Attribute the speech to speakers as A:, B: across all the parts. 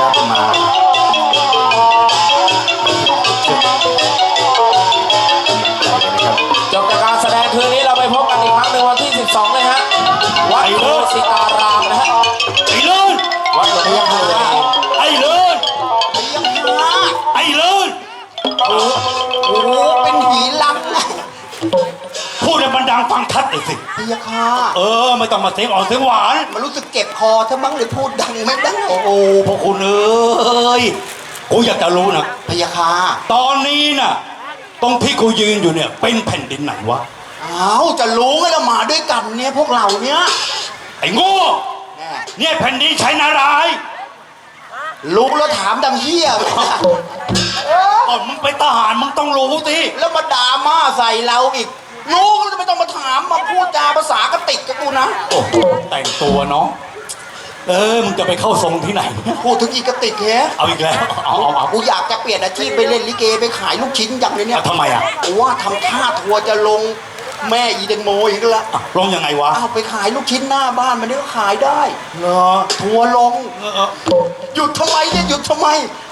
A: มา
B: จบจากการแสดงคืนนี้เราไปพบกันอีกครั้งในวันที่ 12เลยฮะวัดโพสิตารามนะฮะ
C: ไอ้เลิศ
B: วัดหลวงพ่อคูณ
C: ไอ้เลิศไอ้เลิศ
A: โอ้โหเป็นผีลัง
C: พูดให้มันดังฟังชัดเลยสิ
A: พยาค่ะ
C: ไม่ต้องมาเสียงอ่อนเสียงหวาน
A: มันรู้สึกเจ็บคอถ้ามั้งเลยพูดดังไม่ได้
C: โอ้พวกคุณกูอยากจะรู้นะ
A: พยาค่ะ
C: ตอนนี้น่ะตรงที่กูยืนอยู่เนี่ยเป็นแผ่นดินไหนวะ
A: อ้าวจะรู้ไงเรามาด้วยกันเนี่ยพวกเราเนี่ย
C: ไอ้โง่เนี่ยแผ่นดินชัยนารายณ์
A: รู้แล้วถามดังเฮียเลย
C: มึงเป็นทหารมึงต้องรู้สิ
A: แล้วมาด่าม่าใส่เราอีกรู้แล้วไม่ต้องมาถามมาพูดจาภาษากระติกกับกูนะ
C: โอ้แต่งตัวเนาะมึงจะไปเข้าทรงที่ไหน
A: พูดถึงอีกกระติกแฮะ
C: เอาอีกแล้วเอา
A: กูอยากจะเปลี่ยนอาชีพไปเล่นลิเกไปขายลูกชิ้นอย่างเลยเนี่ย
C: ทำไมอ่ะ
A: ว่าทำท่าทัวร์จะลงแม่อีเดนโมอีกแล้ว
C: ลงยังไงวะ
A: ไปขายลูกชิ้นหน้าบ้านมันนี่ก็ขายได้
C: เหรอ
A: ทัวร์ลงหยุดทำไมเนี่ยหยุดทำไม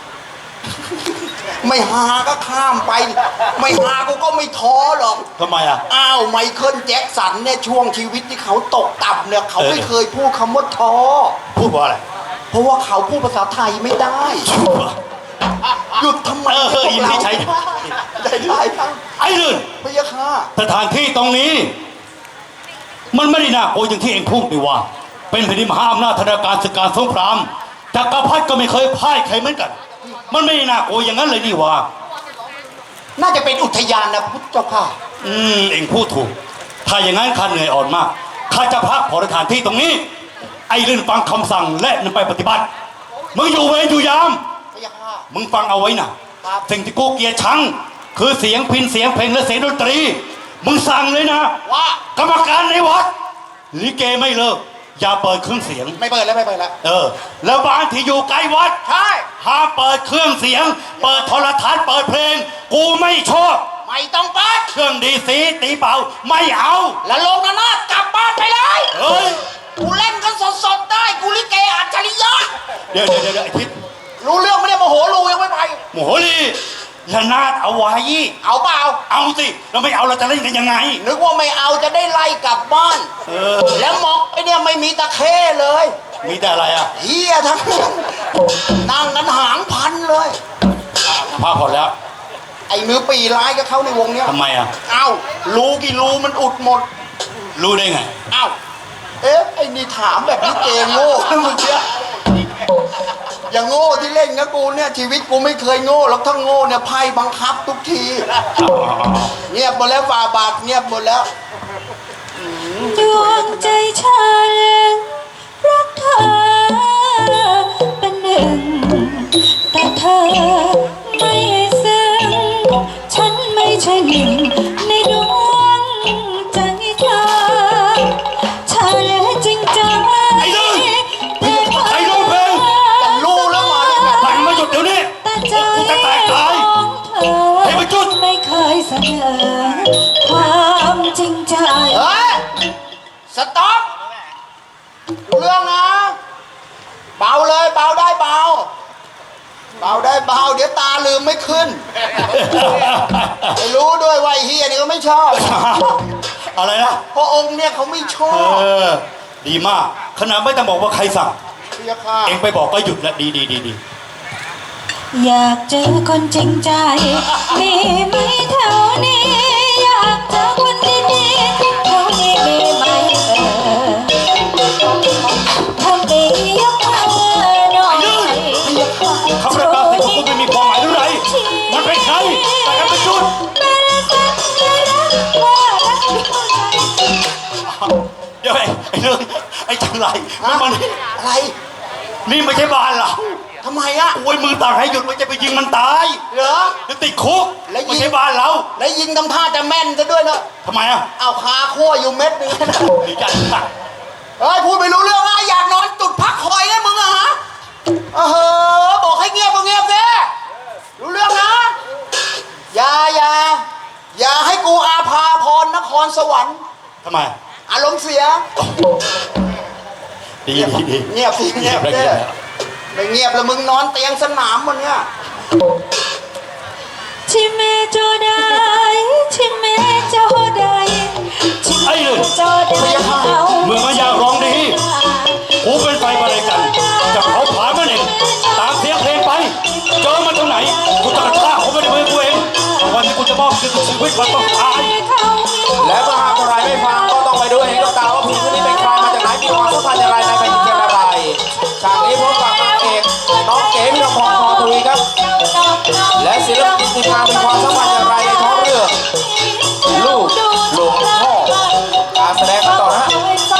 A: ไม่หาก็ข้ามไปไม่หากูก็ไม่ท้อหรอก
C: ทำไมอ่ะ
A: ไมเคิลแจ็คสันเนี่ยช่วงชีวิตที่เขาตกต่ำเนี่ยเขาไม่เคยพูดคำว่าท้อ
C: พูดว่าอะไร
A: เพราะว่าเขาพูดภาษาไทยไม่ได้หยุดทำไม
C: อินที่ใช้
A: ได้ครับ
C: ไอ้เรื่อง
A: พยาค่ะ
C: สถานที่ตรงนี้มันไม่ได้น่ากลัวอย่างที่เองพูดดีว่าเป็นแผ่นดินมหาอำนาจธนาการศึกการสงครามจักรพรรดิก็ไม่เคยพ่ายใครเหมือนกันมันไม่น่ากลัวอย่างนั้นเลยนี่ว่า
A: น่าจะเป็นอุทยานนะพุทธเจ้าค่ะ
C: เองพูดถูกถ้าอย่างนั้นข้าเหนื่อยอ่อนมากข้าจะพักผ่อนสถานที่ตรงนี้ไอ้เรื่องฟังคำสั่งและนำไปปฏิบัติมึงอยู่เวรอยู่ยามมึงฟังเอาไว้นะสิ่งที่กูเกลียดชังคือเสียงพิณเสียงเพลงและเสียงดนตรีมึงสั่งเลยนะ
A: ว่าก
C: รรมการในวัดลิเกไม่เลิกอย่าเปิดเครื่องเสียง
A: ไม่เปิดแล้ว
C: แล้วบ้านที่อยู่ใกล้วัด
A: ใช่
C: ห้ามเปิดเครื่องเสียงเปิดโทรทัศน์เปิดเพลงกูไม่ชอบ
A: ไม่ต้องเปิด
C: เครื่องดีสีตีเป่าไม่เอา
A: แล้วลงนาฏกลับบ้านไปเลยกูเล่นกันสดๆได้กูลิเกอัจฉริยะ
C: เดี๋ยวไอ้ทิศ
A: รู้เรื่องไม่ได้โมโหลูยังไม่ไป
C: โมโหลีละนาดเอาไว้
A: เอาเปล่า
C: เอาสิเราไม่เอาเราจะเล่นกันยังไง
A: นึกว่าไม่เอาจะได้ไล่กลับบ้านแล้วมอกไอเนี่ยไม่มีตะเข้เลย
C: มีแต่อะไรอ่ะ
A: เฮียทั้งนั่งกันหางพันเลย
C: พาพอแล้ว
A: ไอ้มือปีร้ายก็เข้าในวงเนี้ย
C: ทำไมอ่ะ
A: รูกี่รูมันอุดหมด
C: รู้ได้ไง
A: ไอ้นี่ถามแบบนี้เกงโง่มึงเชื่ออย่างโง่ที่เล่นนะกูเนี่ยชีวิตกูไม่เคยโง่หรอกถ้าโง่เนี่ยไพ่บังคับทุกทีเงียบหมดแล้วฝ่าบาทเงียบหมดแล้ว
D: ดวงใจฉันรักเธอเป็นหนึ่งแต่เธอไม่ซึ้งฉันไม่ใช่หนึ่งในดวงใจเธอฉันจริงจัง
C: ไอ้ลูกเพลง
A: แต่รู้แล้วมาได้ไง
C: แต่งมาหยุดเดี๋ยวนี้กูจะแตกตายให้มันจุด
D: ไม่เคยเสนอความจริงใจ
A: สต๊อปเรื่องนะเบาเลยเบาได้เบาได้เบาเดี๋ยวตาลืมไม่ขึ้นไม่รู้ด้วยว่าเฮียนี่ก็ไม่ชอบ
C: อะไรนะ
A: พระองค์เนี่ยเขาไม่ชอบ
C: ดีมากขนาดไม่ต้องบอกว่าใครสั่งเองไปบอกก็หยุดละดี
D: อยากเจอคนจริงใจมีไหมแถวนี้อยากเจอคนดีๆแถวนี้มีไหมทำดียกมือหน่อย
C: คำประกาศสิ่งของคุณไม่มีความหมายหรือไรมันเป็นใครแต่กันเป็นจุดเดี๋ยวไอ้เรื่องไอ้จังไรมัน
A: อะไร
C: นี่ไม่ใช่บ้านเรา
A: ทำไมอ่ะ
C: โอ้ยมือต่างให้หยุดมันจะไปยิงมันตาย
A: เหรอ
C: จะติดคุกไม่ใช่บ้านเรา
A: แล้วยิงทำท่าจะแม่นซะด้วยเนอะ
C: ทำไมอ่ะ
A: เอาคาขั้วอยู่เม็ดนึง
C: ดีจัง
A: พูดไม่รู้เรื่องอยากนอนจุดพักคอยนะมึงอะฮะบอกให้เงียบก็เงียบสิรู้เรื่องนะอย่าให้กูอาภาพรนครสวรรค์
C: ทำไม
A: อารมณ์เสีย
C: ดี
A: เงียบสิเงียบไม่เงีงียบแล้วมึงนอนเตียงสนามมันเนี่ย
D: ชิเมโจไดชิเมโจไดชิเมโจไดเอา
C: เมื่อมาอยากร้องดีกูเป็นไฟประเดกันจะเผาผลาญมันเองตามเสียงเพลงไปเจอมันตรงไหนกูจะฆ่าเขาไม่ได้มือกูเองวันที่กูจะมอบชีวิตมันต้องตาย
B: และเมื่อหากใครไม่ฟังก็ต้องไปดูเองกับตาว่าผู้หญิงคนนี้เป็นใครมาจากไหนมีความสัมพันธ์อย่างไรในแผ่นดินเกมอะไรฉากนี้พบกับนางเอกน้องเก๋พิรพรพรทวีครับ และศิลปินทีมงานมีความสัมพันธ์อย่างไรในท้องเรื่องลูกหลวงพ่อการแสดงกันต่อนะฮะ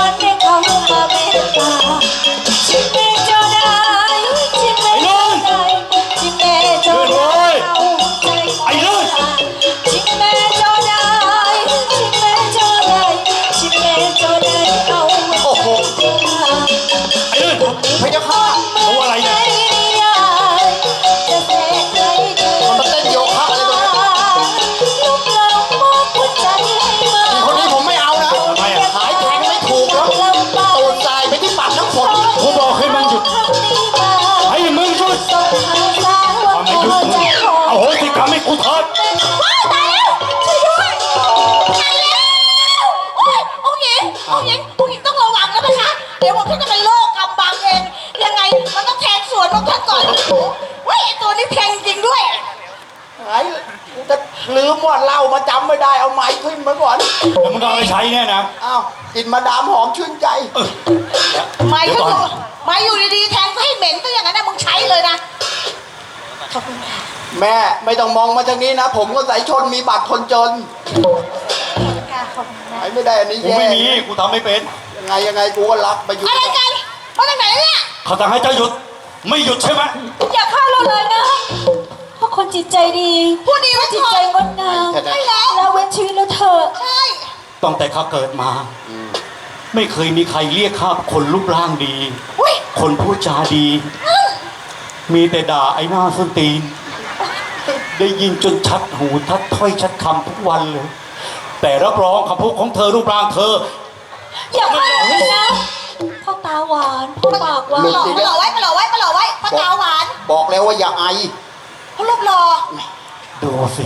D: ชิเมโจไดชิเมโจไดชิเมโจไดเอาใจ
C: ไอ้เลื่อน
D: ชิเมโจไดชิเมโจไดชิเมโจไดเอา
A: โอ้โห
C: ไอ้เลื่อน
A: พระเจ้าค่ะ
C: ตัวอะไรเนี่ย
D: จะเสกใครเกิน
A: มันเต้นโยคะอะไรตัวนี้
D: ลูกเรามอบหัวใจให้มา
A: คนนี้ผมไม่เอานะ
C: ทำไมอ่ะ
A: หายแทงไม่ถูกแล้วตูดทรายไปที่ปากน้ำฝน
C: กูบอกให้มึงหยุดให้มึงหยุด
D: ส่งข่าวสารว่า
C: ทำไมหยุด
D: หัว
C: มึง
D: ใจของ
C: เอาโหสิกรรมให้กูเถิด
D: ว้ายตายแล้วช่วยด้วยตายแล้วโอ๊ยองค์หญิงองค์หญิงองค์หญิงต้องระวังแล้วนะคะเดี๋ยวผมจะเป็นโรคกำบังเองยังไงมันต้องแทงสวนของท่านก่อนโอ้โหเว้ยไอ้ตัวนี้แทงจริงด้วย
A: หายกูจะลืมว่าเหล้ามาจำไม่ได้เอาไม้ขึ้นมาก่อน
C: แล้วมึงก็เอาไปใช้เนี่ยนะ
A: อ้าวกลินมาดามหอมชื่นใจ
D: ไม่
C: เดี๋ยว
D: ก็
C: ก่อน
D: ไม่อยู่ดีๆแทงก็ให้เหม็นก็อย่างนั้นนะมึงใช้เลยนะขอบคุณค่ะ
A: แม่ไม่ต้องมองมาทางนี้นะ ผมก็สายชนมีบัตรคนจน
D: ค่ะขอบคุณนะ
A: ไอ้ไม่ได้อันนี้
C: กู
A: แย่
C: ไม่มีกูทำไม่เป็น
A: ยังไงกูก็รับไปอยู่
D: อะไรกันมาจากไหนเนี่ย
C: เขาสั่งให้เจ้าหยุดไม่หยุดใช่ไหม
D: อย่าฆ่าเราเลยนะเพราะคนจิตใจดีพูดดีไว้จิตใจงดงามใช่แล้วเราเว้นชีวิตเราเถอะใช่
C: ตั้งแต่ข้าเกิดมา ไม่เคยมีใครเรียกข้าคนรูปร่างดี
D: อุ้ย
C: คนพูดจาดี มีแต่ด่าไอ้หน้าส้นตีน ได้ยินจนชัดหูทัดถ้อยชัดคำทุกวันเลย แต่รับรองคำพูดของเธอรูปร่างเธอ
D: อย่าฆ่าเลยนะพ่อตาหวานพ่อปากหวานมาหล่อไว้มาหล่อไว้มาหล่อไว้พ่อตาหวาน
A: บอกแล้วว่าอย่าไอ
D: พ่อรูปหล่อ
C: ดูสิ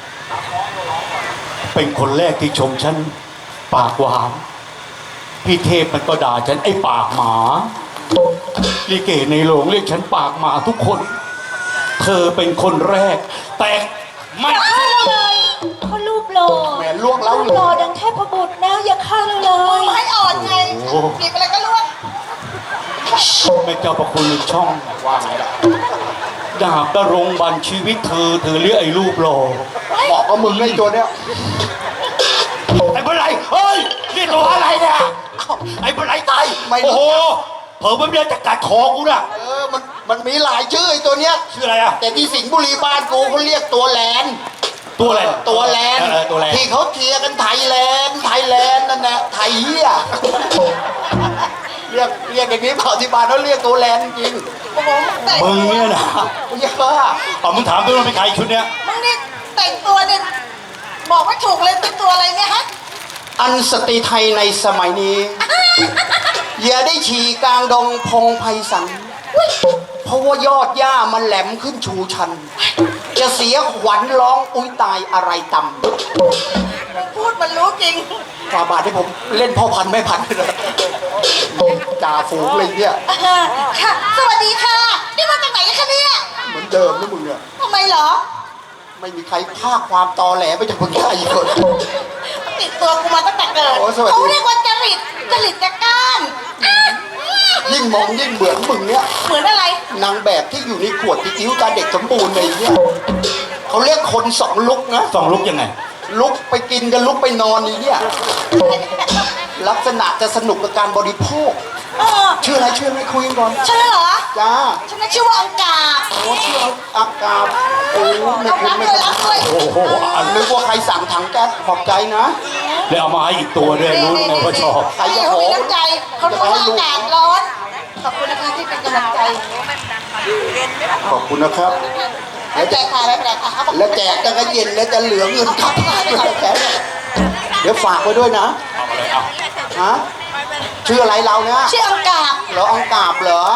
C: เป็นคนแรกที่ชมฉันปากหวาน พี่เทพมันก็ด่าฉันไอ้ปากหมาลิเกในโรงเรียกฉันปากหมาทุกคน เธอเป็นคนแรก แต่ไม่
D: อย่าฆ่าเราเลยพ่อรูปหล่อ
A: แหมล่วงแล้ว
D: รูปหล่อดังเทพบุตรนะอย่าฆ่าเราเลยให้อ่อนไงหยิบอะไรก็ล่วง
C: ไม่เจ้าประคุณอีกช่อง
A: ว่าไงล่ะ
C: ดาบกระรงบันชีวิตเธอเรียกไอ้รูปหล่อ
A: บอกกับมึงไอ้ตัวเนี้ย
C: ไอ้ปลาไหลเฮ้ยนี่ตัวอะไรเนี่ยไอ้ปลาไหลตายโอ้โหเผลอมันจะกัดคอกูน่ะ
A: มันมีหลายชื่อไอ้ตัวเนี้ย
C: ชื่ออะไรอ่ะ
A: แต่ที่สิงห์บุรีบ้านกูเขาเรียกตัวแลน
C: ตัวอะไร
A: ตัวแลน
C: ตัวแลน
A: ที่เขาเทียร์กันไทยแลนด์นั่นแหละไทยเฮียเรียกอย่างนี้เปล่าที่บ้านเขาเรียกตัวแลนจริง
C: มึงเนี่ยนะ
A: เยอะ
C: เอามึงถามด้วยว่าเป็นใครชุดเนี้ย
D: มึงนี่แต่งตัวเนี่ยบอกไม่ถูกเลยเป็นตัวอะไรเนี่ยฮะ
A: อันสตรีไทยในสมัยนี้ อย่าได้ฉี่กลางดงพงไพศาลเพราะว่ายอดหญ้ามันแหลมขึ้นชูชัน จะเสียขวัญร้องอุ้ยตายอะไรต่
D: มึงพูดมันรู้จริง
A: ำฝ่าบาทที่ผมเล่นพ่อพันธุ์ไม่พันเลยจ่าฝูงเลยเนี่ย
D: ค่ะ สวัสดีค่ะ นี่มาจากไหนคะเนี่ย
A: เหมือนเดิมนะมึงเนี่ย
D: ทำไมเหรอ
A: ไม่มีใครภาคความตอแหลไปจากมึงได้อีกคน
D: ติดตัวกูมาตั้งแต่เกิด
A: โอ้สวัสดี
D: เขาเรียกว่าจริตจักร้านอ่ะ
A: ยิ่งมองยิ่งเหมือนมึงเนี่ย
D: เหมือนอะไร
A: นางแบบที่อยู่ในขวดที่อิ้วตาเด็กสมบูรณ์เลยเนี่ยเขาเรียกคนสองลุกนะ
C: สองลุกยังไง
A: ลุกไปกินกันลุกไปนอนนี่เนี่ย ลักษณะจะสนุกกับการบริโภค
D: เออ
A: ชื่ออะไรชื่ออะไรคุยกันก่อน
D: ฉันเหรอ
A: จ้า
D: ฉันน่ะชื่อว่าอังกาบ
A: โอ้ชื่ออากาศโอ้ไม่
D: รับ
A: คุ้น
D: รับ
A: ไม่
D: เลย
A: คุ้น
D: รับเลย
C: โอ้โหอัน
A: นึกว่าใครสั่งถังแก๊สขอบใจนะ
C: แล้วเอามาให้อีกตัวด้วยรู้ไงว่าชอบ
A: ใครจะ
D: นี่
A: ข
D: เขา
A: อ
D: มีน้ำใจเขารู้ว่าอากาศร้อน ขอบคุณนะคะที่เป็นกำลังใจ
A: ขอบคุณนะครับ
D: ไม่เป็นไรค่ะไม่เป็นไรค่ะ
A: แล้วแจกจะกระเย็นแล้วจะเหลือเงินกลับเดี๋ยวฝากไว้ด้วยนะ
C: เอามาเลยเอา
A: ฮะชื่ออะไรเราเนี่ย
D: ชื่ออังกาบ
A: เหรออังกาบเหรอ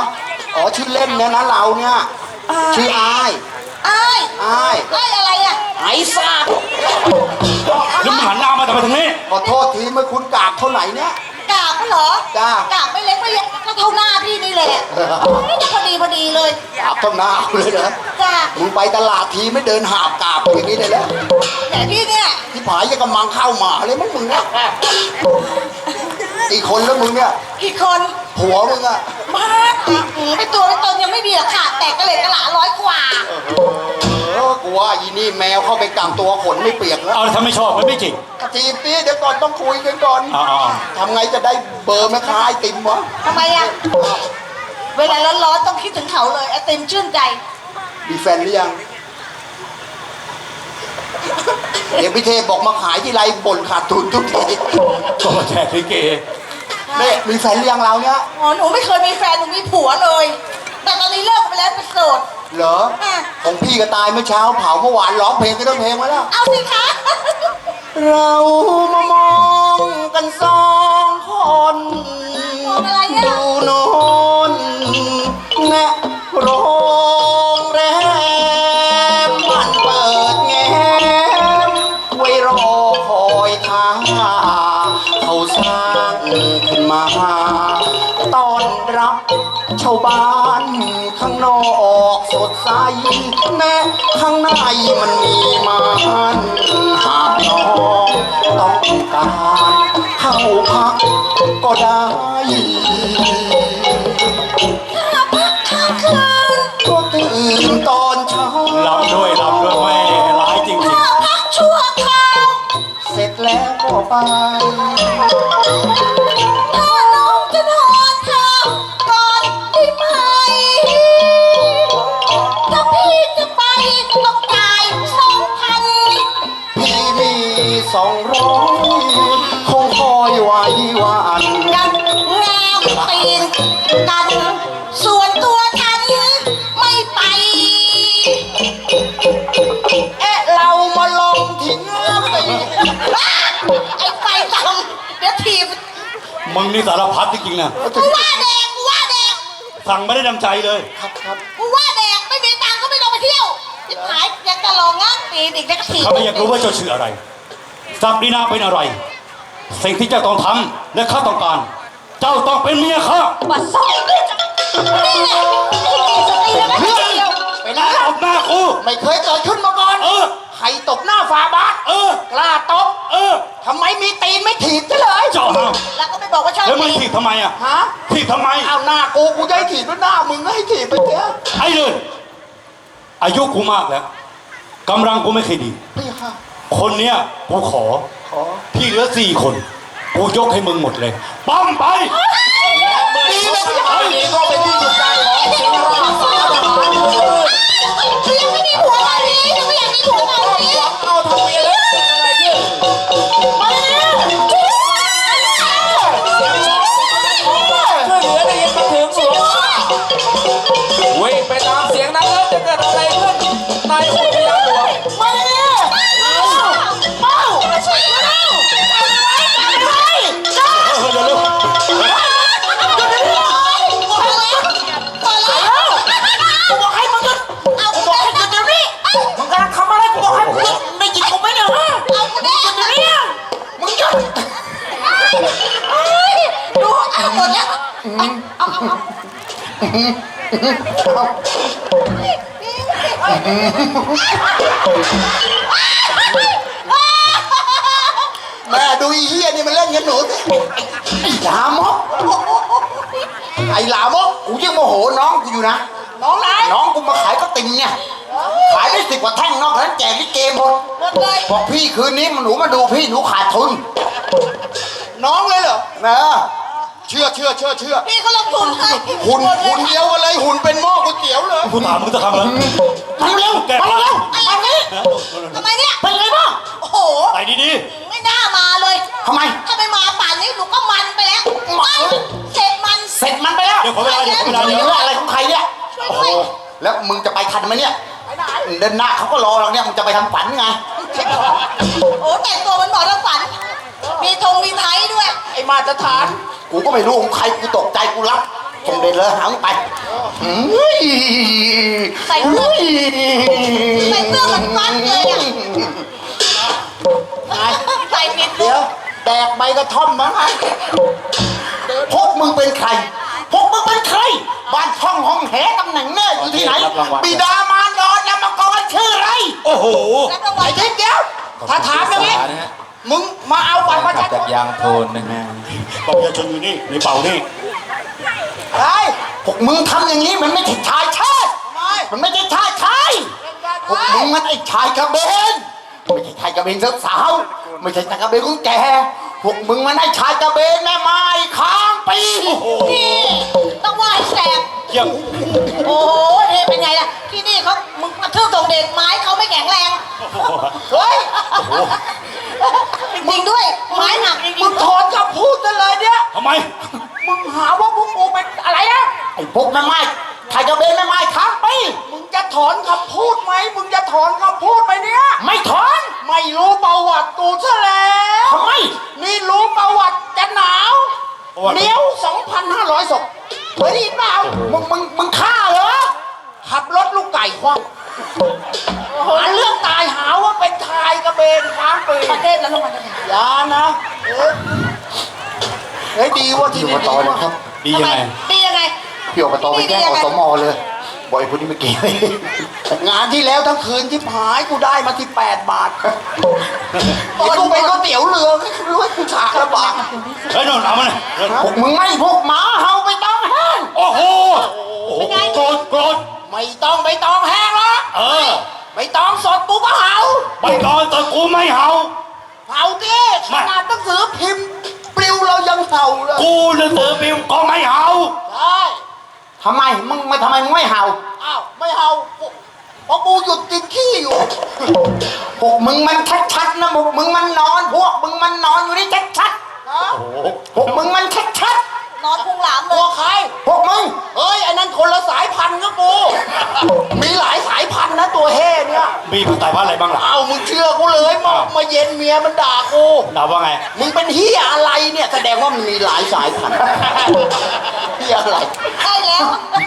A: อ๋อชื่อเล่นเนี่ยนะเราเนี่ยชื่ออาย
D: อ้าย
A: อาย
D: อ้ายอะไรอ่ะ
A: ไอ้สัตว์
C: แล้วมึงหันหน้ามาทำไมทางนี้
A: ขอโทษทีเมื่อคุณกราบเท่าไหร่เนี่ย
D: กาบเหรอ
A: จ้าก
D: าบไม่เล็กไม่เล็กก็เท่าหน้าพี่นี่แหละพอดีเลย
A: กราบเท่าหน้าเลยเหรอ
D: จ้า
A: มึงไปตลาดทีไม่เดินหาบกราบอย่างนี้เลยแล้ว
D: แต่พี่เนี่ย ที่
A: ผายยังกำลังเข้ามาเลยมั้งมึงเนี่ยอีกคนแล้วมึงเนี่ย
D: กี่คน
A: ผัวมึงอะ
D: มาไปตัวไปตนยังไม่มีหรอกค่ะ แต่กระเหล็กกระหลา100 กว่า
A: กูว่าอีนี่แมวเข้าไปกังตัวขนไม่เปียกแล้ว
C: เอาถ้าไม่ชอบมันไม่จริง
A: กระทีบนี่เดี๋ยวก่อนต้องคุยกันก่อน
C: อ๋อ
A: ทำไงจะได้เบอร์แม่ค้าไอติมวะ
D: ทำไมอ่ะ เวลาร้อนๆต้องคิดถึงเขาเลยไอติมชื่นใจ
A: มีแฟนหรือยังเดี๋ยวพี่เทพบอกมาขายที่ไรบ่นขาดทุนทุกที
C: ก็มาแจกลิเก
A: เนี่ยมีแฟนหรือยังเราเนี่ย
D: อ๋อหนูไม่เคยมีแฟนหนูมีผัวเลย แต่ตอนนี้เลิกไปแล้วเป็นโสด
A: เหรอ
D: อ่ะ
A: ของพี่ก็ตายเมื่อเช้าเผาเมื่อวานร้องเพลงก็ต้องเพลงมาแล้ว
D: เอาสิคะ
A: เรามามองกันสองคน
D: มองอะไรอ่ะ
A: ดูโนนแนะโรงแรมมันเปิดแง้มไว้รอคอยท่าเขาสร้างขึ้นมาต้อนรับชาวบ้านข้างนอกสดใสแม้ข้างในมันมีมันหากน้องต้องการเข้าพักก็ได้
D: ข้างคืน
A: ก็ตื่นตอนเช้า
C: ลำด้วยแม่ร้ายจริง
D: พักชั่วคราว
A: เสร็จแล้วก็ไป
D: ถ้าน้องจะนอนข้าวก่อนได้ไหม ถ้าพี่จะไปต้องจ่าย2,000
A: พี่มี200คงคอยไว้วัน
D: กันแนวตีนกัน ส่วนตัวฉันไม่ไป
A: เรามาลงทิ้งไป
D: ไอ้ไฟทำเดี๋ยวถีบ
C: ๆมึงนี่สารพัดจริงๆนะ
D: กูว่าแดกกูว่าแดก
C: สั่งไม่ได้ดังใจเลย
A: ครับ
D: กูว่าแดกไม่มีตังค์ก็ไม่ต้องไปเที่ยวจิบหายยังจะลองอ่ะปีนอีกแล้วก็ถีบ
C: เขาไม่อยากรู้ว่าเจ้าชื่ออะไรศักดินาเป็นอะไร สิ่งที่เจ้าต้องทำและข้าต้องการ เจ้าต้องเป็นเมียข้า
D: บัดซอกนี่แหละสติแล้วไม่เที่ยว
A: ไป
C: ต
A: นะ
C: บหน้ากู
A: ไม่เคยเกิดขึ้นมาก่อน
C: เออ
A: ใครตบหน้าฝาบาส
C: เออ
A: กล้าตบ
C: เออ
A: ทำไมมีตีนไม่ถีบซะเลย
C: เจ้าห้าม
D: แล้วก็ไม่บอกว่าชอบ
C: แล้วมึง
D: ตี
C: ถีบทำไมอ่ะ
A: ฮะ
C: ถีบทำไม
A: เอาหน้ากูจะให้ถีบด้วยหน้ามึงให้ถีบไปเถอะ
C: ไอ้เลยอายุกูมากแล้วกำลังกูไม่เคยดี
A: พี่ค่ะ
C: คนเนี้ยกูขอ
A: ขอ
C: ที่เหลือ4 คนกูยกให้มึงหมดเลยปั้มไป
B: ดีเลยพี่ชายนี่ก็เป็นที่ถูกใจของสิงห์ราชสารทหาร
D: คือยังไม่มีผัวตอนนี้ยังไม่อยากมีผัวตอนนี้
B: หวังเอาทำเมียแล้วเป็นอะไรขึ้น
D: มาแล้วช่วยด้วย
B: ช่วยเหลือได้ยินมาถึงหลวงวิ่งไปตามเสียงนั้นแล้วจะเกิดอะไรขึ้นนายอุทยานหลวง
D: มาแล้วเป้าช่วยด้วยกันไว้กันไว้จ้า
C: เร็ว
D: บอกให้มึงหยุดเอากูบอกให้หยุดเดี๋ยวนี้มึงกำลังทำอะไรกูบอกให้มึงหยุดได้ยินกูไหมเนี่ยเอากูได้หยุดเดี๋ยวนี้มึงหยุดดูเอาหมดแล้วเอา
A: แม่ดูอีเหี้ยนี่มันเล่นกันหนูสิไอ้ลามกไอ้ลามกกูยังโมโหน้องกูอยู่นะ
D: น้องไหน
A: น้องกูมาขายก็ติ่มเนี่ยขายได้10 กว่าแท่งนอกนั้นแจกลิเกหมด
D: หมดเลย
A: บอกพี่คืนนี้หนูมาดูพี่หนูขาดทุน น้องเลยเหรอนะเชื่อ
D: พี่เขาลงทุนให้
A: หุ่นเดียวกันเลยหุ่นเป็นหม้อก๋วยเตี๋ยวเลย
C: กูถามมึงจะทำอะไร
A: มาเร็ว
C: แก
A: มาเร็ว
D: อะไรนี่ทำไมเนี่ย
A: เป็นไงบ้าง
D: โอ้โห
C: ไปดี
D: ไม่น่ามาเลย
A: ทำไม
D: ถ้าไม่มาป่านนี้หนูก็มันไปแล้วเสร็จมัน
A: เสร็จมันไปแล้ว
C: ๆเดี๋ยวขอเวลาเดี๋ยวขอเวลา
A: เรื่
C: เดี๋ยว
A: องอะไรของใครเนี่ย
D: ช่วย
A: โอ้
D: ด้
A: โห
D: วย
A: แล้วมึงจะไปทันไหมเนี่ย
D: ไปไหน
A: เดินหน้าเขาก็รอเราเนี่ยมึงจะไปทำฝันไง
D: โอ้แต่งตัวมันหมอทำฝัน มีธงมีไทยด้วย
A: ไอ้มาตรฐาน กูก็ไม่รู้ของใครกูตกใจกูรับส่งเดชเลยหามึงไปเฮ้ย
D: ใส่เสื้อใส่เสื้อเหมือนฟันเลยอ่ะใส่ผิด
A: เดี๋ยวแดกใบกระท่อมมั้งไงพวกมึงเป็นใครพวกมึงเป็นใครบ้านช่องห้องแหตำแหน่งแน่อยู่ที่ไหนบิดามารดอนามกรชื่ออะไร
C: โอ้โห
D: รับรางวั
A: ไอ้
D: ล
A: ทิศเดียวถ้าถามอย่างนี้มึงมาเอาบัตรประชาช
B: จาก
A: น
B: ยางโทนนะฮะ
C: บัตรประชาชนอยู่นี่ในเป่านี่
A: ไอ้พวกมึงทำอย่างนี้มันไม่ใช่ชายชาติมันไม่ใช่ชายชายพวกมึงมันไอ้ชายกระเบนไม่ใช่ชายกระเบนสาวๆไม่ใช่ชายกระเบนของแกพวกมึงมันไอ้ชายกระเบนแม่ไม้ค้างปี
D: นี่ต้องไหว้แสบ
C: เยี่ยม
D: โอ้ยนี่เป็นไงล่ะที่นี่เขามึงกระทืบตรงเด็กไม้เขาไม่แข็งแรง
A: เฮ้ย
D: จริงๆด้วยไม้หนักจริ
A: มึ
D: ง
A: งถอนคำพูดกันเลยเนี่ย
C: ทำไม
A: มึงหาว่าพวกกูเป็นอะไรนะไอ้พวกแม่ไม้ชายกระเบนแม่ไม้ค้างปีมึงจะถอนคำพูดไหมมึงจะถอนคำพูดไหมเนี่ยไม่ถอนไม่รู้ประวัติกูซะแล้วทำไมนี่รู้ประวัติจะหนาว
C: ประวัติ
A: เนี้ยว 2,500 ศพเคยได้ยินเปล่ามึงฆ่าเหรอขับรถลูกไก่คว่ำหาเรื่องตายหาว่าเป็นชายกระเบนค้างปี
D: ๆประเทศแล้วลงมาจะไหน
A: อย่านะเฮ้ยดีว่าที่นี่ดีว่าครับ
C: ดียังไง
D: ดียังไง
A: พี่อบตไปแจ้งอสมเลยบอกไอ้คนนี้ไม่เกี่ยวงานที่แล้วทั้งคืนที่หายกูได้มาที่8 บาทไอ้กูเป็นก๋วยเตี๋ยวเรือไม่รู้ว่ากูฉากละบาท
C: เฮ้ยนนท์เอามาเลย
A: พวกมึงไม่พวกหมาเห่าไปต้องแห้ง
C: โอ้โหโกรธโกรธ
A: ไม่ต้องไปต้องแห้งหรอก
C: เออ
A: ไม่ต้องสดกูก็เห่า
C: ไปตอนแต่กูไม่เห่า
A: เห่าดิขนาดหนังสือพิมพ์ปลิวเรายังเห่าเลย
C: กูหนังสือพิมพ์ก็ไม่เห่า
A: ใช่ทำไมมึงไม่เห่าอ้าวไม่เห่าเพราะกูหยุดกินขี้อยู่พวกมึงมันชัดๆนะพวกมึงมันนอนพวกมึงมันนอนอยู่นี่ชัดๆนะ
C: โอ้โห
A: พวกมึงมันชัด
D: นอนพุงหลาม
A: ๆ
D: เล
A: พวย กใครพวกมึงเฮ้ยไอ้นั่นคนละสายพันธุ์กับกูมีหลายสายพันธุ์นะตัวเฮ่เนี่ย
C: มีภาษาพันธุ์อะไรบ้างล่ะ
A: เอามึงเชื่อกูเลยมาเย็นเมียมันด่ากู
C: ด่าว่าไง
A: มึงเป็นเฮียอะไรเนี่ยแสดงว่ามันมีหลายสายพันธุ์เฮียอะไร
D: ได้แล้ว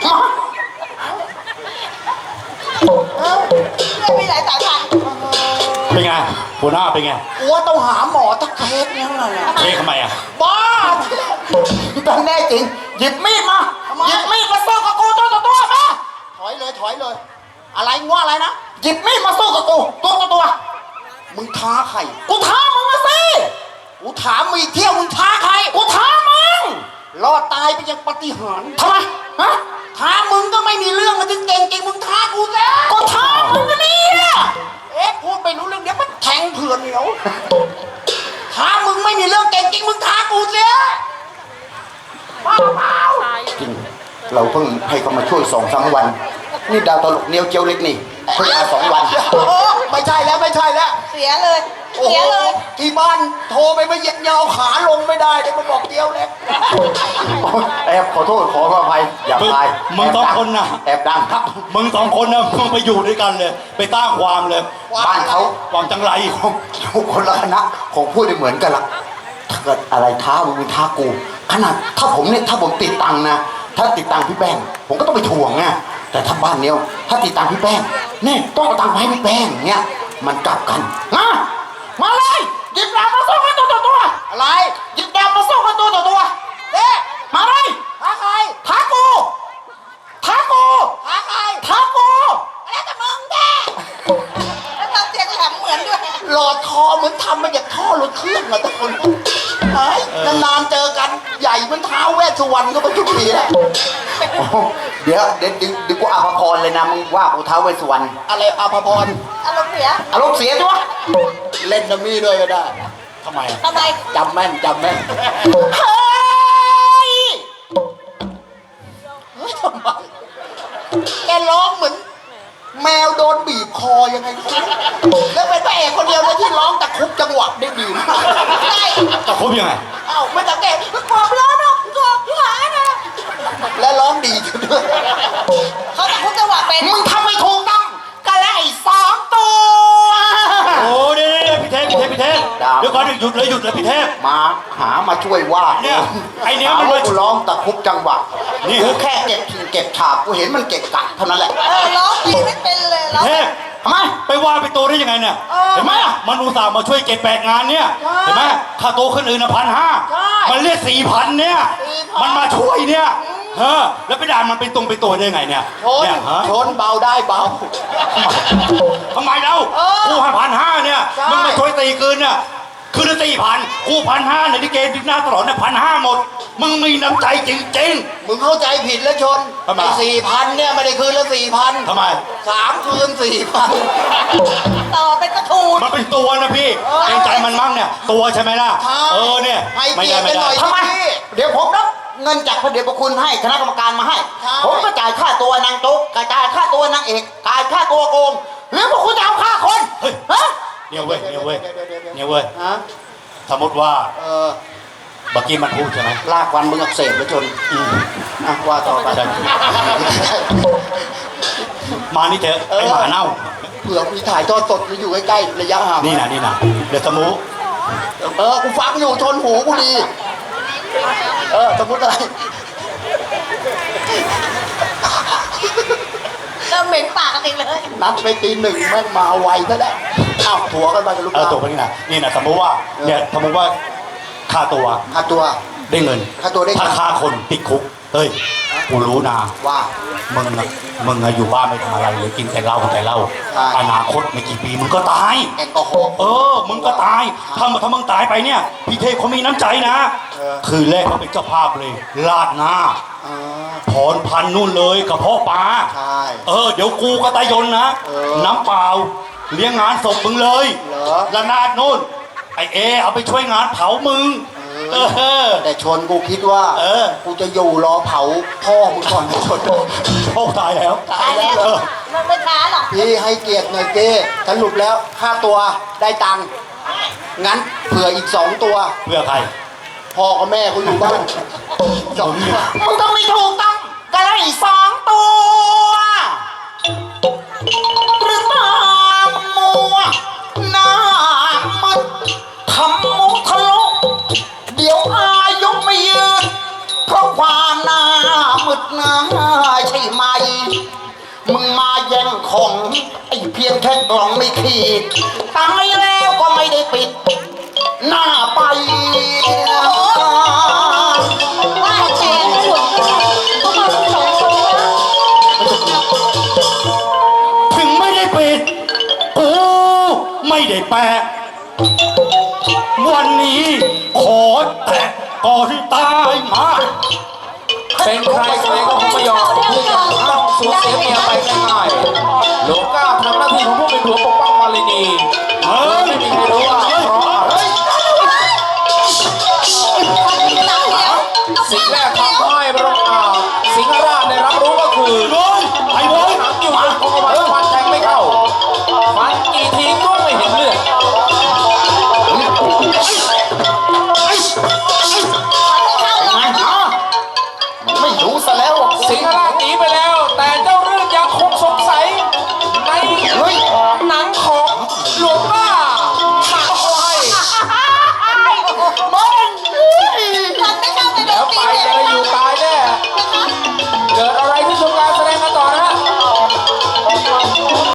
D: ไม่มีหลายสายพันธุ์
C: เป็นไงหัวหน้าเป็นไง
A: กูว่าต้องหาหมอทักเคสเนี่ยไงอะ
C: เฮ้ยทำไมอ่ะ
A: บ้าแต่แน่จริงหยิบมีดมาหยิบมีดมาสู้กับกูตัวต่อตัวมาถอยเลย อะไรว่าอะไรนะหยิบมีดมาสู้กับกูตัวต่อตัวมึงท้าใครกูท้ามึงมาสิกูถามมึงอีกเที่ยวมึงท้าใครกูท้ามึงรอดตายไปอย่างปาฏิหาริย์ทำไมฮะท้ามึงก็ไม่มีเรื่องมันถึงเก่งจริงมึงท้ากูแล้วกูท้ามึงนะเนี่ยเอ๊ะพูดไปรู้เรื่องเดี๋ยวมันแทงเผื่อนเหนียวท้ามึงไม่มีเรื่องเก่งจริงมึงท้ากูเสียเปล่าจริงเราเพิ่งให้เขามาช่วย2-3 วันนี่ดาวตลกเนียวเจียวเล็กนี่เพิ่งมา2 วันไม่ใช่แล้ว
D: เสียเลยเสียเลย
A: ที่บ้านโทรไปมาเย็นยาวขาลงไม่ได้เดี๋ยวมาบอกเจียวเล็กแอบขอโทษขออภัยอย่าตาย
C: มึงสองคนนะ
A: แอบดังครับ
C: มึง2 คนนะมึงไปอยู่ด้วยกันเลย ไปตั้งความเลย
A: บ้านเขา
C: วางจังไร
A: อยู่คนละคณะของพูดได้เหมือนกันละถ้าเกิดอะไรท้ามึงท้ากูขนาดถ้าผมติดตังค์นะถ้าติดตังค์พี่แป้งผมก็ต้องไปทวงไงแต่ถ้าบ้านเนี้ยถ้าติดตังค์พี่แป้งนี่ต้องเอาตังค์ไปให้พี่แป้งเงี้ยมันกลับกันมาเลยหยิบดาบมาสู้กันตัวต่อตัวอะไรหยิบดาบมาสู้กันตัวต่อตัวเด้มาเลยท้าใครท้ากูท้าใครท้ากู
D: แล้วแต่มึงแกแล้วทำเสียงแหลมเหมือนด้วย
A: หลอดคอเหมือนทำมาจากท่อรถเครื่องอะทุกคนเฮ้ยนานๆเจอกันใหญ่เหมันท้าวเวสสุวรรณก็ไปทุกทีแหละเดี๋ยวกูอาภพรเลยนะมึงว่ากูท้าวเวสสุวรรณอะไรอาภพร
D: อารมณ์เสีย
A: อารมณ์เสียจ้ะเล่นดัมมี่ด้วยก็ได้
C: ทำไมอ่ะ
D: ทำไม
A: จำแม่นเฮ้ยทำไมแกร้องเหมือนแมวโดนบีบคอยังไงแล้วเป็นพระเอกคนเดียวเลยที่ร้องตะคุบจังหวะได้ดีมาก
D: ได้
C: จะคบยังไง
A: เอ้าไม่สังเกตความร้อนนะหายนะและร้องดีด้วย
D: เขาจะคุกจังหวะเป็น
A: มึงทำไม่ถูกต้องกันแล้วไอ้2 ตัว
C: โอ้เดี๋ยวพี่เทพเดี๋ยวก่อนหยุดเลยพี่เทพ
A: มาหามาช่วยว่า
C: เนี่ยไอ้เนี่ย
A: หา
C: มัน
A: ว่ากูร้องตะคุบจังหวะ
C: นี่
A: กูแค่เก็บถิ่นเก็บฉาบกูเห็นมันเก็บกัดเท่านั้นแหละ
D: ร้องเพลงไม่เป็นเลยร้อง
C: เทพ
A: ทำไม
C: ไปว่าไปโตได้ยังไงเนี่ย เห็นไหมมันอุตส่าห์มาช่วยเก็บแบกงานเนี่ย
A: ใช่
C: เห็นไหมค่าโตคนอื่น1,500
A: ใช่
C: มันเรียก4,000เนี่ย
A: 4,000
C: มันมาช่วยเนี่ยแล้วไปด่ามันเป็นตรงไปตัวได้ยังไงเนี่ย
A: ชน
C: เนี่ยฮะ
A: ชนเบาได้เบา
C: ทำไมเล่า
A: เออ
C: กูให้1,500เนี่ย
A: ใช่
C: มึงมาช่วยตีคืนเนี่ยคืนละ4,000กู1,500ในที่เกณฑ์ดิหน้าตลอดเนี่ย1,500หมด มึงมีน้ำใจจริง
A: มึงเข้าใจผิดแล้วชน
C: ทำไม
A: ไอ้4,000เนี่ยไม่ได้คืนละ4,000
C: ทำไม
A: 3 คืน 4,000
D: ต่อเป็นกระทูน
C: มันเป็นตัวนะพี่
A: เออ
C: เกรงใจมันมั่งเนี่ย ตัวใช่ไหมล่ะ เนี่ย
A: ให้
C: ไม่
A: เกีย
C: ได้
A: รติ
C: ไม่
A: กันห
C: ได้
A: น่อย
B: ทำไม
A: พี่
B: เดี๋ยวผมรับเงินจากพระเดชพระคุณให้คณะกรรมการมาให้
A: ใช่
B: ผมก็จ่ายค่าตัวนางตุ๊กจ่ายค่าตัวนางเอกจ่ายค่าตัวโกงหรือพวกคุณจะเอาค่าคน
C: เฮ้ย
B: ฮะ
C: เนี่ยเว้ยเนี่ยเว้ย
A: ดี๋ว
C: เนี่ยเว้ย
A: ฮะ
C: สมมติว่า
A: เออ
C: เมื่อกี้มันพูดใช่ไหม
A: ลากวันมึงอักเสบแล้วชน
C: อืม
A: อ่ะว่าต่อไป
C: ใช่ มานี่เถอะ
A: เออ
C: ไอหมาเน่า
A: เผื่อมีถ่ายทอดสดอยู่ใกล้ๆระยะห่าง
C: นี่นะเดี๋ยวสมู
A: กูฟังอยู่ชนหูกูดี สมมติอะไร
D: เริ่มเหม็นปากกันเองเลย
A: นัดไปตี 1แม่งมาไวซะแล้วอ้าวถั่วกันไปกับลูก
C: ตัวนี้นะนี่นะสมมติว่าเนี่ยสมมติว่าค่าตัว
A: ค่าตัว
C: ได้เงิน
A: ค่าตัวได้เงิน
C: ถ้าค่าคนติดคุกเฮ้ยกูรู้นะ
A: ว่า
C: มึงอะอยู่บ้านไม่ทำอะไรเลยกินแต่เหล้า
A: ใช่
C: อนาคตไม่กี่ปีมึงก็ตาย
A: แอลกอฮอล์
C: มึงก็ตาย ถ้ามึงตายไปเนี่ย พี่เทพเขามีน้ำใจนะ
A: เออ
C: คืนแรกเขาเป็นเจ้าภาพเลย ลาดหน้า
A: อ่า
C: ถอนพันนู่นเลยกับพ่อปลา
A: ใช่
C: เดี๋ยวกูก็ตายนนะ
A: เออ
C: น้ำเปล่า เลี้ยงงานศพมึงเลย
A: เหรอ
C: ละนาดนู่น ไอเอาไปช่วยงานเผามึง
A: แต่ชนกูคิดว่า กูจะอยู่รอเผาพ่อมึงก่อนนะชน
C: โชคตายแล้ว
D: ตายแล้ว มันไม่ช้าหรอก
A: พี่ให้เกียรติหน่อยเจ้สรุปแล้วค่าตัวได้ตังค์งั้นเผื่ออีก2 ตัว
C: เพื่อใคร
A: พ่อกับแม่กูอยู่บ้าน2 ตัว
B: มึงต้องไม่ถูกต้องกันเลย2 ตัว หรือตามัวหน้ามึนทำมุกทะลุเดี๋ยวอายุไม่ยืนเพราะความหน้ามึดหน้าใช่ไหม มึงมาแย่งของไอ้เพียงแค่กล่องไม่ขีดตายแล้วก็ไม่ได้ปิด หน้าไป
D: ว่าแชร์ไม่หลงเขามาทั้งสองคนนะ
C: ถึงไม่ได้ปิด กูไม่ได้แปะ วันนี้ขอแตะก่อนตายมา
B: เป็นใครใครก็คงไม่ยอมที่จะต้องสูญเสียเมียไปง่